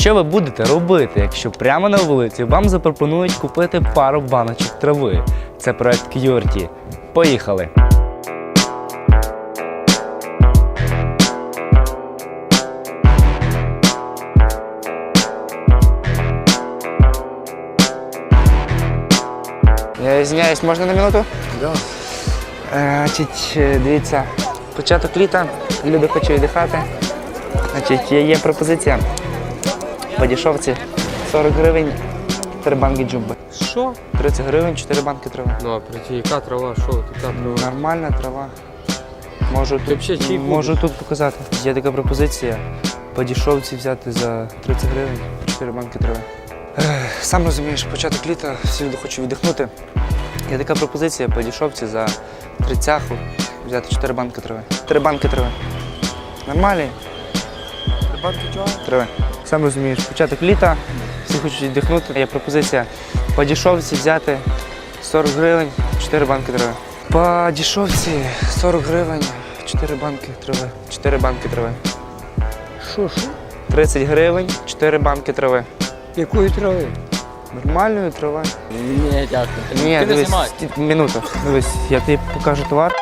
Що ви будете робити, якщо прямо на вулиці вам запропонують купити пару баночок трави? Це проект QWERTY. Поїхали! Я извиняюсь, можна на минуту? Да. Дивіться, початок літа, люди хочуть віддихати. Є пропозиція по дешевці 40 гривень, 4 банки джумби. Що? 30 гривень, 4 банки трави. Ну, а прийти, яка трава, що тут трава? Нормальна трава. Можу взагалі можу тут показати. Є така пропозиція по дешевці взяти за 30 гривень, 4 банки трави. Сам розумієш, початок літа, всі люди хочуть віддихнути. Є така пропозиція по дешевці за 30 взяти 4 банки трави. 3 банки трави. Нормальні? 3 банки чого? Трави. Сам розумієш, початок літа, всі хочуть віддихнути. Є пропозиція по дешевці взяти 40 гривень, 4 банки трави. По дешевці 40 гривень, 4 банки трави. 4 банки трави. Що? 30 гривень, 4 банки трави. Якої трави? Нормальної трави. Ні, дякую. Ні, Ти не дивись, знімай. минуту. Дивись, я тобі покажу товар.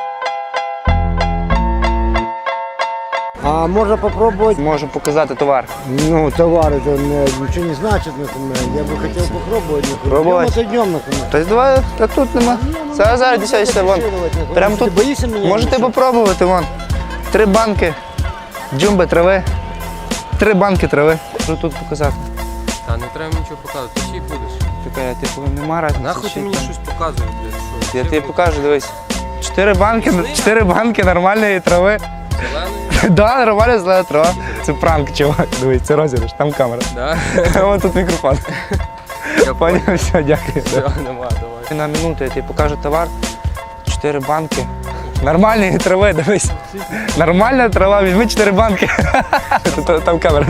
А можно попробовать? Можу показати товар. Ну, товар это ничего не значит, например. Я бы хотел попробовать. Пробовать? Днем это днем, например. Тобто давай, та тут нема. Зараз десятися, вон. Прямо Ты тут. боишься меня? Можете попробувати, вон. 3 банки джумби трави. 3 банки трави. Що тут показати? Та не треба нічого показувати, ти чий будеш? Така, я типу, нема разниці. Нахуй ти чи мені там. щось показуєш, блядь, що? Я тобі покажу, дивись. 4 банки нормальної трави. Зелений? Да, нормальна зелена трава. Це пранк, чувак. Дивись, це розіграш, там камера. Да? Ось тут мікрофон. Я Поняв, все, дякую. Все, нема, давай. На минуту я тобі покажу товар. 4 банки. Нормальної трави, дивись. Нормальна трава, візьми 4 банки. Там камера.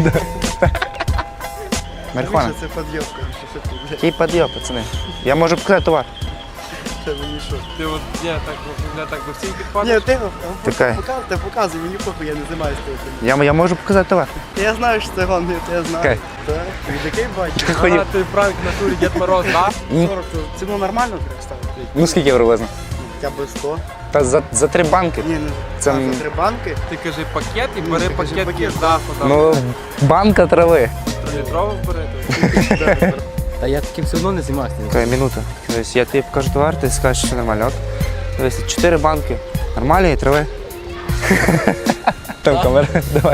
Марихуана. Це підйобка, що ти, блядь, Який підйоб, пацани. Я можу показати товар. це мені що? Ти от, так до всіх підпадеш? Ні, Така. ти показуй, мені похуй, я не займаюся цим. Я можу показати товар. Я знаю, що це гон, я знаю. Окей. Так, від який бачиш? Ходів. А, ти пранк в натурі Дед Мороз, да? 40, ціну нормально треба ставити? Ну скільки приблизно? Хоча б 100. Та за 3 банки. Ні, не Це за 3 банки. Ти кажи пакет і бери ти кажи пакет пакет. з даху, там, Ну, банка трави. літрову бери. Та я таким все одно не займаюся. Окей, минута. Дивись, я тобі покажу товар, ти скажеш, що все нормально. От. Дивись, 4 банки. Нормальної трави. Там камера, давай.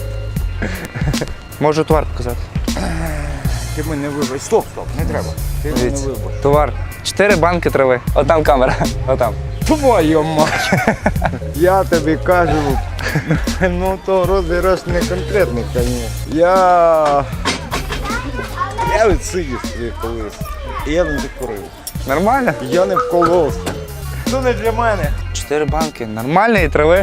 Можу товар показати. Ти мене вибач. Стоп, не треба. Ти мене Дивіться, вибач. товар. 4 банки трави. Отам камера. Отам. Твою мать! Я тобі кажу, ну то розіграш не конкретний, звісно. Я відсидів собі колись. І я не закурив. Нормально? Я не вколовся. Це не для мене. 4 банки. Нормальної трави.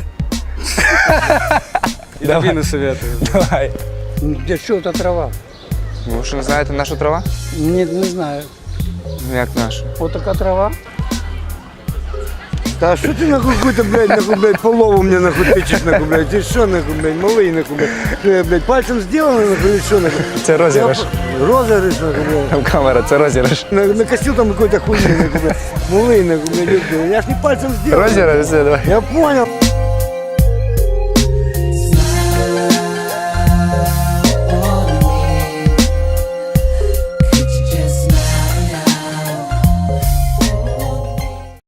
І тобі не советую. Давай. Для чого та трава? Ви що не знаєте нашу трава? Ні, не знаю. Ну як нашу? Отака трава. Та що ти нахуй какой-то, блядь, полову мне нахуй тычешь, нахуй, блядь, ты что, нахуй, блядь, малый, нахуй, блядь, что я, блядь, пальцем сделано, нахуй, или что, нахуй? Це розіграш. Розыгрыш, нахуй, блядь. Там камера, це розіграш. Накосил там какой-то хуйни, нахуй, блядь, малый, нахуй, блядь, я ж не пальцем сделал. Розіграш, все, давай. Я понял.